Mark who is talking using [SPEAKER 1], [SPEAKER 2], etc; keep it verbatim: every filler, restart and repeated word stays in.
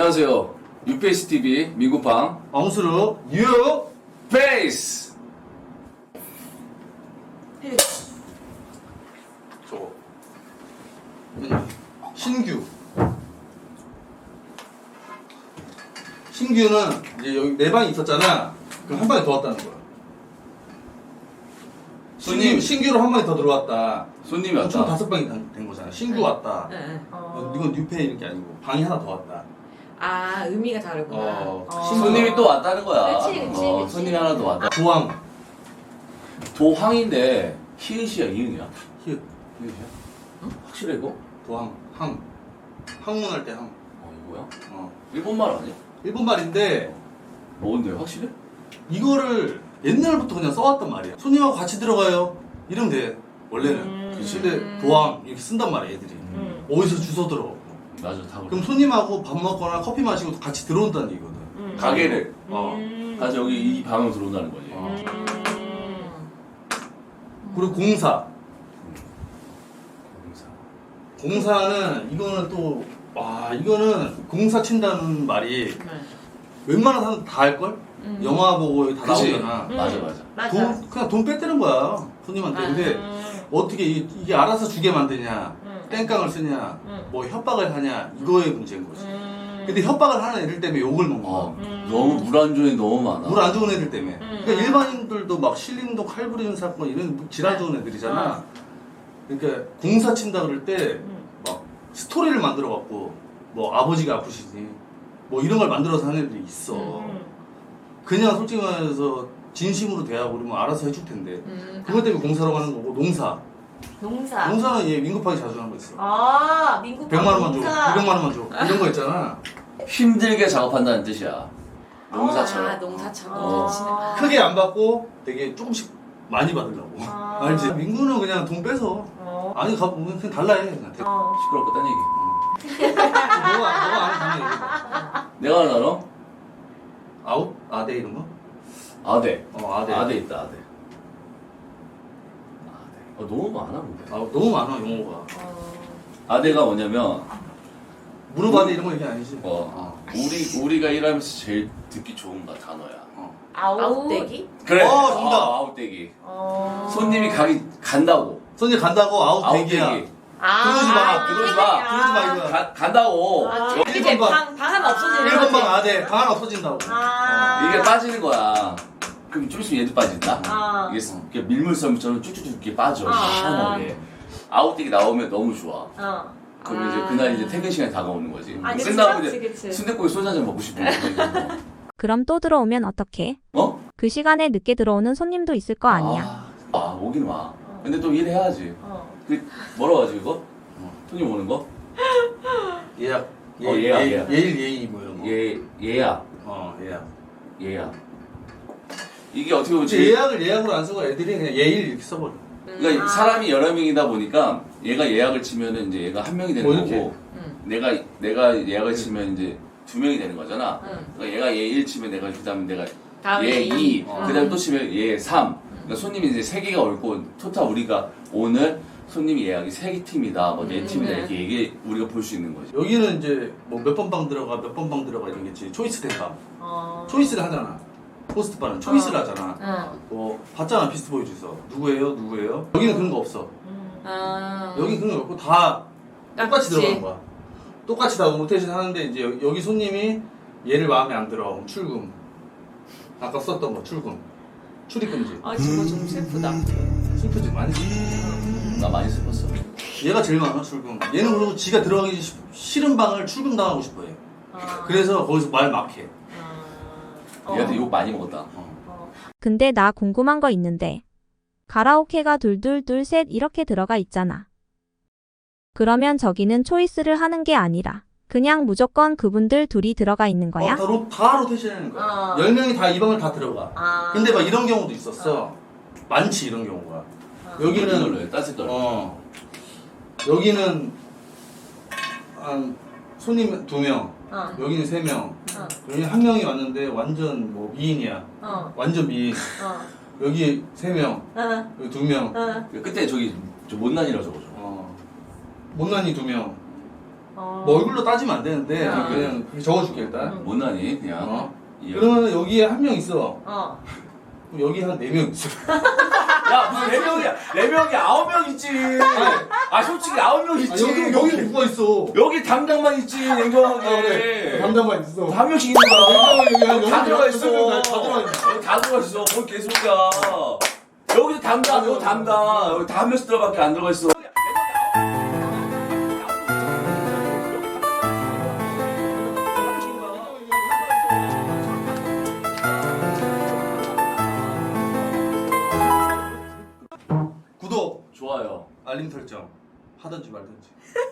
[SPEAKER 1] 안녕하세요. 뉴페이스 티비 민구팡
[SPEAKER 2] 엉수루 뉴
[SPEAKER 1] 페이스.
[SPEAKER 2] 저거 신규 신규는 이제 여기 네 방이 있었잖아. 그럼 한 방에 더 왔다는 거야.
[SPEAKER 1] 손님.
[SPEAKER 2] 신규, 신규로 한 방에 더 들어왔다.
[SPEAKER 1] 손님이
[SPEAKER 2] 그럼 총
[SPEAKER 1] 왔다.
[SPEAKER 2] 다섯 방이 된, 된 거잖아. 신규 왔다.
[SPEAKER 3] 네. 네.
[SPEAKER 2] 어, 이건 뉴페이 이런 게 아니고 방이 하나 더 왔다.
[SPEAKER 3] 아, 의미가 다르구나.
[SPEAKER 2] 어,
[SPEAKER 1] 손님이 또 왔다는 거야.
[SPEAKER 3] 그치, 그치,
[SPEAKER 1] 어,
[SPEAKER 3] 그치.
[SPEAKER 1] 손님이 하나 더 왔다.
[SPEAKER 2] 도항
[SPEAKER 1] 도항인데 히읗이야 이응이야?
[SPEAKER 2] 히읗
[SPEAKER 1] 히읗이야? 응? 확실해 이거?
[SPEAKER 2] 도항 항 항문할 때 항.
[SPEAKER 1] 어 이거야?
[SPEAKER 2] 어.
[SPEAKER 1] 일본말 아니야?
[SPEAKER 2] 일본 말인데
[SPEAKER 1] 뭔데 확실해?
[SPEAKER 2] 이거를 옛날부터 그냥 써왔단 말이야. 손님하고 같이 들어가요. 이러면 돼. 원래는.
[SPEAKER 3] 음.
[SPEAKER 1] 그치.
[SPEAKER 2] 근데 도항 이렇게 쓴단 말이야 애들이.
[SPEAKER 3] 음.
[SPEAKER 2] 어디서 주워 들어가고.
[SPEAKER 1] 맞아 다 그래.
[SPEAKER 2] 그럼 손님하고 밥 먹거나 커피 마시고 같이 들어온다는 얘기거든.
[SPEAKER 3] 음.
[SPEAKER 1] 가게를
[SPEAKER 2] 어.
[SPEAKER 3] 음.
[SPEAKER 1] 가서 여기 이 방으로 들어온다는 거지.
[SPEAKER 2] 어.
[SPEAKER 3] 음.
[SPEAKER 2] 그리고 공사.
[SPEAKER 1] 공사.
[SPEAKER 2] 공사는 이거는 또 와 이거는 공사 친다는 말이
[SPEAKER 3] 네.
[SPEAKER 2] 웬만한 사람 다 할걸?
[SPEAKER 3] 음.
[SPEAKER 2] 영화 보고 다
[SPEAKER 1] 그치.
[SPEAKER 2] 나오잖아.
[SPEAKER 3] 음.
[SPEAKER 1] 맞아 맞아.
[SPEAKER 3] 맞아.
[SPEAKER 2] 돈 그냥 돈 뺏대는 거야 손님한테. 근데
[SPEAKER 3] 음.
[SPEAKER 2] 어떻게 이, 이게 알아서 주게 만드냐,
[SPEAKER 3] 음.
[SPEAKER 2] 땡깡을 쓰냐,
[SPEAKER 3] 음.
[SPEAKER 2] 뭐 협박을 하냐 이거의 문제인 거지.
[SPEAKER 3] 음.
[SPEAKER 2] 근데 협박을 하는 애들 때문에 욕을 먹는 거야.
[SPEAKER 1] 어,
[SPEAKER 3] 음.
[SPEAKER 1] 너무 물 안 좋은 애 너무 많아.
[SPEAKER 2] 물 안 좋은 애들 때문에.
[SPEAKER 3] 음.
[SPEAKER 2] 그러니까 일반인들도 막 실림도 칼 부리는 사건 이런 질환 좋은 애들이잖아. 그러니까 공사 친다 그럴 때 막
[SPEAKER 3] 음.
[SPEAKER 2] 스토리를 만들어 갖고 뭐 아버지가 아프시지 뭐 이런 걸 만들어서 하는 애들이 있어.
[SPEAKER 3] 음.
[SPEAKER 2] 그냥 솔직히 말해서 진심으로 대하고 그러면 알아서 해줄 텐데.
[SPEAKER 3] 음.
[SPEAKER 2] 그것 때문에 공사로 가는 거고 농사.
[SPEAKER 3] 농사.
[SPEAKER 2] 농사는 얘 민급하게 자주 하는 거 있어.
[SPEAKER 3] 아, 민국
[SPEAKER 2] 백만 원만 줘,
[SPEAKER 3] 농사.
[SPEAKER 2] 이백만 원만 줘 이런 거 있잖아.
[SPEAKER 1] 힘들게 작업한다는 뜻이야. 농사처럼.
[SPEAKER 3] 아, 농사처럼.
[SPEAKER 1] 어.
[SPEAKER 3] 아.
[SPEAKER 2] 크게 안 받고 되게 조금씩 많이 받으려고.
[SPEAKER 3] 아.
[SPEAKER 2] 알지? 민구는 그냥 돈 빼서
[SPEAKER 3] 어.
[SPEAKER 2] 아니 가 그냥 달라 해. 그냥 대-
[SPEAKER 3] 어.
[SPEAKER 1] 시끄럽고 딴 얘기.
[SPEAKER 2] 너가 너가 아는 당연히
[SPEAKER 1] 내가 하나 알아?
[SPEAKER 2] 아웃 아대 이런 거?
[SPEAKER 1] 아대.
[SPEAKER 2] 어 아대.
[SPEAKER 1] 아대 있다 아대. 아대. 어, 너무 많아 근데.
[SPEAKER 2] 아 너무 많아 용어가.
[SPEAKER 3] 어.
[SPEAKER 1] 아대가 뭐냐면
[SPEAKER 2] 무릎 아대 이런 거 얘기 아니지?
[SPEAKER 1] 어, 우리 우리가 일하면서 제일 듣기 좋은 거 단어야.
[SPEAKER 2] 어.
[SPEAKER 3] 아웃대기?
[SPEAKER 1] 그래.
[SPEAKER 2] 어, 정답.
[SPEAKER 1] 아, 아웃대기.
[SPEAKER 3] 어.
[SPEAKER 1] 손님이 가기 간다고.
[SPEAKER 2] 손님 간다고 아웃 대기야.
[SPEAKER 1] 아웃대기.
[SPEAKER 3] 아.
[SPEAKER 2] 들어오지 마,
[SPEAKER 1] 들어오지 마,
[SPEAKER 2] 들어오지 마, 이거야.
[SPEAKER 1] 가, 간다고.
[SPEAKER 3] 아,
[SPEAKER 1] 여-
[SPEAKER 3] 이제
[SPEAKER 2] 번
[SPEAKER 3] 방, 방 하나 없어지는
[SPEAKER 2] 일 번
[SPEAKER 3] 거지.
[SPEAKER 2] 방 아대 방 하나 없어진다고.
[SPEAKER 3] 아.
[SPEAKER 1] 이게 빠지는 거야. 그럼 좀 있으면 얘도 빠진다.
[SPEAKER 3] 아.
[SPEAKER 1] 이게 이렇게 밀물섬처럼 쭉쭉쭉 이렇게 빠져.
[SPEAKER 3] 아.
[SPEAKER 1] 시원하게. 아웃대기 나오면 너무 좋아.
[SPEAKER 3] 어.
[SPEAKER 1] 그러면
[SPEAKER 3] 아.
[SPEAKER 1] 이제 그날 이제 퇴근 시간이 다가오는 거지.
[SPEAKER 3] 아, 그치,
[SPEAKER 1] 끝나고
[SPEAKER 3] 그치,
[SPEAKER 1] 이제
[SPEAKER 3] 그치.
[SPEAKER 1] 순댓국에 소주 한잔 먹고 싶은 거.
[SPEAKER 4] 그럼 또 들어오면 어떡해?
[SPEAKER 1] 어?
[SPEAKER 4] 그 시간에 늦게 들어오는 손님도 있을 거 아니야.
[SPEAKER 1] 아, 아 오긴 와. 근데 또 일해야지.
[SPEAKER 3] 어.
[SPEAKER 1] 그 뭐라고 하지 이거? 손님 오는 거?
[SPEAKER 2] 예약.
[SPEAKER 1] 어, 예약,
[SPEAKER 2] 예,
[SPEAKER 1] 예약.
[SPEAKER 2] 예일 예의 뭐 이런 거.
[SPEAKER 1] 예 예약
[SPEAKER 2] 어 예약.
[SPEAKER 1] 예약. 이게 어떻게 보면
[SPEAKER 2] 근데
[SPEAKER 1] 제일
[SPEAKER 2] 예약을 예약으로 안 쓰고 애들이 그냥 예일 이렇게 써버려.
[SPEAKER 1] 그러니까
[SPEAKER 3] 아.
[SPEAKER 1] 사람이 여러 명이다 보니까 얘가 예약을 치면은 이제 얘가 한 명이 되는
[SPEAKER 2] 뭐 이렇게?
[SPEAKER 1] 거고
[SPEAKER 3] 응.
[SPEAKER 1] 내가 내가 예약을 치면 이제 두 명이 되는 거잖아.
[SPEAKER 3] 응.
[SPEAKER 1] 그러니까 얘가 예 일 치면 내가 그다음에 내가
[SPEAKER 3] 다음에
[SPEAKER 1] 예
[SPEAKER 3] 이.
[SPEAKER 1] 이,
[SPEAKER 2] 어.
[SPEAKER 1] 그다음에 또 치면 예 삼. 그러니까 손님이 이제 세 개가 올 거 토탈 우리가 오늘 손님이 예약이 세 팀이다, 뭐 네
[SPEAKER 3] 음,
[SPEAKER 1] 팀이다
[SPEAKER 3] 네.
[SPEAKER 1] 이렇게 얘기 우리가 볼 수 있는 거지.
[SPEAKER 2] 여기는 이제 뭐 몇 번 방 들어가 몇 번 방 들어가 이러겠지. 초이스 된 방.
[SPEAKER 3] 어.
[SPEAKER 2] 초이스를 하잖아. 호스트 바는 초이스를
[SPEAKER 3] 어.
[SPEAKER 2] 하잖아.
[SPEAKER 3] 응.
[SPEAKER 2] 뭐 봤잖아 피스트 보이 주서 누구예요 누구예요. 여기는 그런 거 없어.
[SPEAKER 3] 아.
[SPEAKER 2] 여기 그런 거 없고 다 똑같이
[SPEAKER 3] 똑같이.
[SPEAKER 2] 들어가는 거야. 똑같이 다 로테이션 하는데 이제 여- 여기 손님이 얘를 마음에 안 들어. 그럼 출금. 아까 썼던 거 출금. 출입 금지.
[SPEAKER 3] 아, 저거 좀 슬프다.
[SPEAKER 2] 슬프지 많이 슬프지.
[SPEAKER 1] 나 많이 슬펐어.
[SPEAKER 2] 얘가 제일 많아 출금. 얘는 그리고 지가 들어가기 시- 싫은 방을 출금 당하고 싶어해.
[SPEAKER 3] 아.
[SPEAKER 2] 그래서 거기서 말 막해.
[SPEAKER 3] 아.
[SPEAKER 1] 얘한테
[SPEAKER 3] 어.
[SPEAKER 1] 욕 많이 먹었다.
[SPEAKER 2] 어.
[SPEAKER 3] 어.
[SPEAKER 4] 근데 나 궁금한 거 있는데. 가라오케가 둘둘둘 셋 이렇게 들어가 있잖아. 그러면 저기는 초이스를 하는 게 아니라 그냥 무조건 그분들 둘이 들어가 있는 거야?
[SPEAKER 2] 어, 다, 로, 다 로테이션 하는 거야.
[SPEAKER 3] 어.
[SPEAKER 2] 열 명이 다 이 방을 다 들어가.
[SPEAKER 3] 아.
[SPEAKER 2] 근데 막 이런 경우도 있었어. 많지 이런 경우가.
[SPEAKER 3] 어.
[SPEAKER 2] 여기는
[SPEAKER 1] 걸로 따뜻 걸로.
[SPEAKER 2] 어 여기는 한 손님 두 명,
[SPEAKER 3] 어.
[SPEAKER 2] 여기는 세 명.
[SPEAKER 3] 어.
[SPEAKER 2] 여기 한 명이 왔는데 완전 뭐 미인이야.
[SPEAKER 3] 어.
[SPEAKER 2] 완전 미인.
[SPEAKER 3] 어.
[SPEAKER 2] 여기 세 명,
[SPEAKER 3] 어.
[SPEAKER 2] 여기 두 명.
[SPEAKER 3] 어.
[SPEAKER 1] 끝에 저기 저 못난이라고 적어줘.
[SPEAKER 2] 어 못난이 두 명.
[SPEAKER 3] 어.
[SPEAKER 2] 뭐 얼굴로 따지면 안 되는데
[SPEAKER 3] 어.
[SPEAKER 2] 그냥 그렇게 적어줄게 일단.
[SPEAKER 3] 응.
[SPEAKER 1] 못나니 그냥.
[SPEAKER 2] 어.
[SPEAKER 1] 이-
[SPEAKER 2] 그러면 여기에 한 명 있어.
[SPEAKER 3] 어.
[SPEAKER 2] 그럼 여기 한 네 명 있어.
[SPEAKER 1] 야 무슨 네 명이야? 네 명이 아홉 명 있지. 아 솔직히 아홉 명
[SPEAKER 2] 아,
[SPEAKER 1] 있지.
[SPEAKER 2] 여기 여기 누가 있어?
[SPEAKER 1] 여기 담당만 있지 냉정하게.
[SPEAKER 2] 아, 그래. 담당만 있어.
[SPEAKER 1] 한 명씩 있는 거야.
[SPEAKER 2] 냉정하게 여기 한
[SPEAKER 1] 여기 다
[SPEAKER 2] 여기
[SPEAKER 1] 들어가
[SPEAKER 2] 여기
[SPEAKER 1] 있어.
[SPEAKER 2] 다 들어가 있어.
[SPEAKER 1] 여기 다 들어가 있어. 뭔 개소리야. 여기도 담당, 여기 담당. 여기 다 한 명씩 들어밖에 안 들어가 있어.
[SPEAKER 2] 구독,
[SPEAKER 1] 좋아요.
[SPEAKER 2] 알림 설정 하든지 말든지.